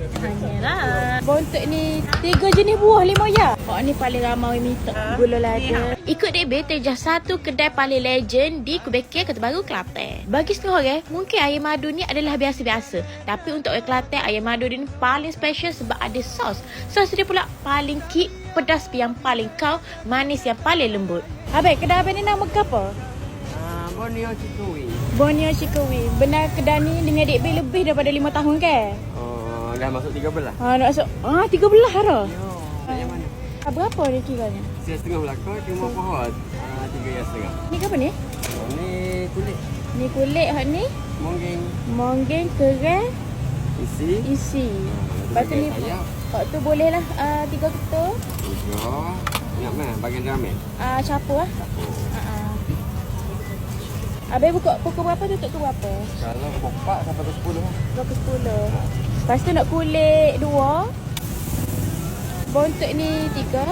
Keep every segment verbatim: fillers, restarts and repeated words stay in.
Hanyalah. Bontot ni tiga jenis buah lima ya. Oh ni paling ramai minta gula lada. Ikut D B terjah satu kedai paling legend di Kubekir, Kota Baru, Kelantan. Bagi setengah orang, mungkin air madu ni adalah biasa-biasa. Tapi untuk orang Kelantan, air madu ni paling special sebab ada sos. Sos dia pula paling kick, pedas yang paling kau, manis yang paling lembut. Abang, kedai abang ni nama ke apa? Uh, Borneo Cikui. Borneo Cikui. Benar kedai ni dengan D B lebih daripada lima tahun ke? Oh, dah masuk tiga belas. Ha, nak masuk. Ah, tiga belas dah. Yo, yang mana? Ah, berapa dia kiranya? Saya setengah belakang, cuma pohon. Uh, tiga yang setengah. Ni ke apa ni? Oh, ni kulit. Ni kulit hak ni. Monggeng. Monggeng, kerang, Isi. isi. Lepas tu ni, Ayam. hak tu boleh lah uh, tiga ketul. Tiga. Ingat mana? Bagian ramen. Ah, uh, capur lah. Uh -uh. Habis buka pukul berapa, tutup pukul berapa? Kalau kopak sampai ke sepuluh. Pukul sepuluh. Lepas tu nak kulit dua. Bontot ni tiga.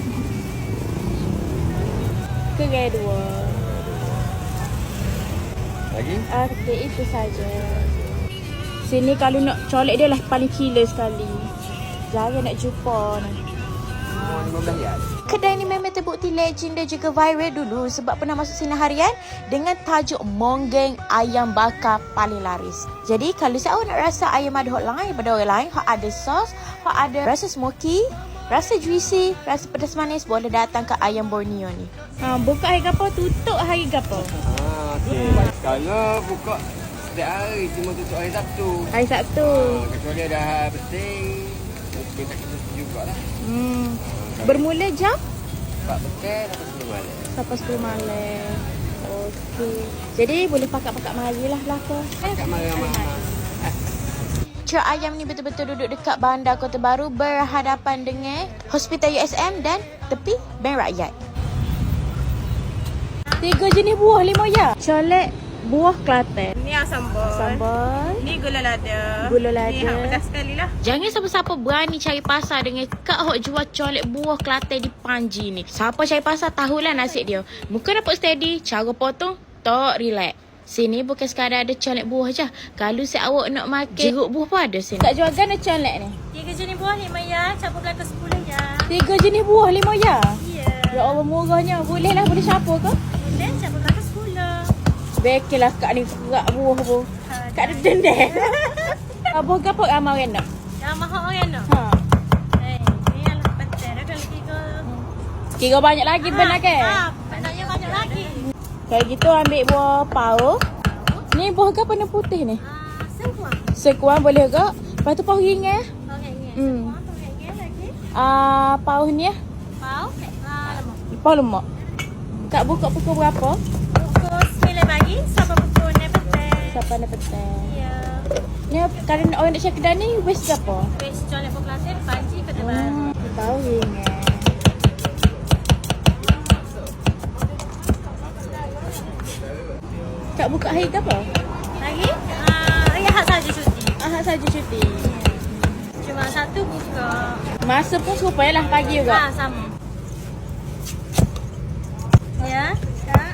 Kerang dua. Lagi? Okey, itu saja. Sini kalau nak colek dia lah paling killer sekali. Jarang nak jumpa ni. Oh, lima belas rial. Kedai ni memang terbukti legend dan juga viral dulu sebab pernah masuk sinar harian dengan tajuk Monggeng ayam bakar paling laris. Jadi kalau siapa nak rasa ayam madu hot lain daripada orang lain, hot ada sos, hot ada rasa smoky, rasa juicy, rasa pedas manis, boleh datang ke ayam Borneo ni. Ha, buka hari apa, tutup hari apa? Ah, okey. Kalau buka setiap hari, cuma tutup hari Sabtu. Hari Sabtu. Ah, kecuali ada hari penting, kita tak kena jugalah. Hmm. Bermula jam? empat petang sampai sepuluh malam. Sampai sepuluh malam. Okey. Jadi boleh pakat-pakat mari lah belaka. Kat marah-marah. Cik Ayam ni betul-betul duduk dekat bandar Kota Baru berhadapan dengan Hospital U S M dan tepi Bank Rakyat. Tiga jenis buah lima ya. Colek buah Kelantan. Ni yang sambal. Sambal. Ni gula lada. Gula lada. Ni hak pedas sekali lah. Jangan siapa-siapa berani cari pasar dengan kak hok jual colek buah Kelantan di Panji ni. Siapa cari pasar tahulah nasib dia. Muka dapat steady, cara potong, tak relax. Sini bukan sekadar ada colek buah je. Kalau si awak nak makan jeruk buah pun ada sini. Tak jual gana colek ni. Tiga jenis buah lima ya. Campur belakang sepuluh ya. Tiga jenis buah lima ya. Ya. Ya Allah murahnya. Boleh lah, boleh siapa ke? Boleh campur belakang sepuluh. Bekelah kak ni kerak buah bu. Ha, Kak ada dendeh. Buah kapok ramai orang nak. yang mahal orang tu. Ha. Eh, ni yang lebih penting dah kalau tiga. Kira banyak lagi ha, benar ke? Ha, maknanya banyak lagi. Kayak gitu ambil buah pau. Ni buah ke warna putih ni? Ah, sekuang. Sekuan boleh ke? Lepas tu pau ringan. Okey ni. Hmm. Sekuang tu lagi lagi. Ah, pau ni ah. Pau, ah lemak. Pau lemak. Kak buka pukul berapa? Pukul sembilan pagi sampai pukul enam petang. Sampai enam petang. Ya. Ni kalau orang nak cari kedai ni waste berapa? Bes jual lepuk Kelantan Panji Kota Baru. Hmm, pau ringan. Kak buka hari ke apa? Lagi? Ah, ya hak saja cuti. Ahad saja cuti. Cuma satu buka. Masa pun serupa lah pagi juga. Ah, sama. Ya, Kak.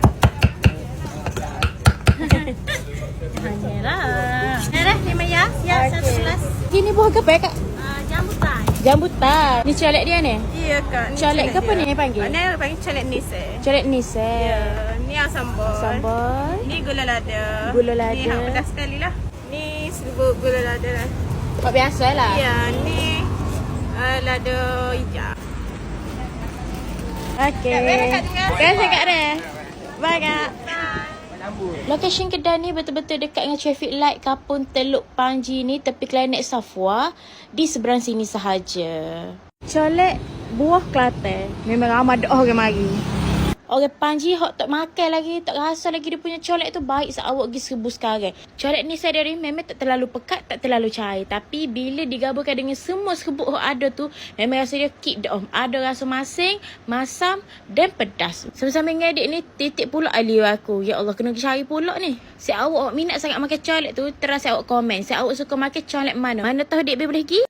Hanyalah. Merah lima ya. Ya, Okey. satu gelas. Ini buah ke apa ya, Kak? Ah, jambutan. Jambutan. Ni colek dia ni? Iya, Kak. Ni Colek ke apa dia. ni panggil? Ni panggil colek nise. Colek nis eh. Ya, ni yang sambal. Sambal. Ni gula lada. Gula lada. Ni hak pedas sekali lah. Ni serbuk gula lada lah. Kau biasa lah. Ya, ni uh, lada hijau. Okey. Terima kasih Kak Re. Bye Kak. Lokasi kedai ni betul-betul dekat dengan traffic light Kampung Teluk Panji ni, tepi Klenek Safwa, di seberang sini sahaja. Colek buah Kelantan. Memang ramai dah orang mari. Orang Panji hok tak makan lagi, tak rasa lagi dia punya colek tu baik seawak pergi seribu sekarang. Colek ni saya dari memang tak terlalu pekat, tak terlalu cair. Tapi bila digabungkan dengan semua serbuk hok ada tu, memang rasa dia kick dah. Ada rasa masing, masam dan pedas. Sambil-sambil ngadik ni, titik pula aliu aku. Ya Allah, kena cari pula ni. Si awak minat sangat makan colek tu, terasa awak komen. Si awak suka makan colek mana? Mana tahu dek boleh pergi?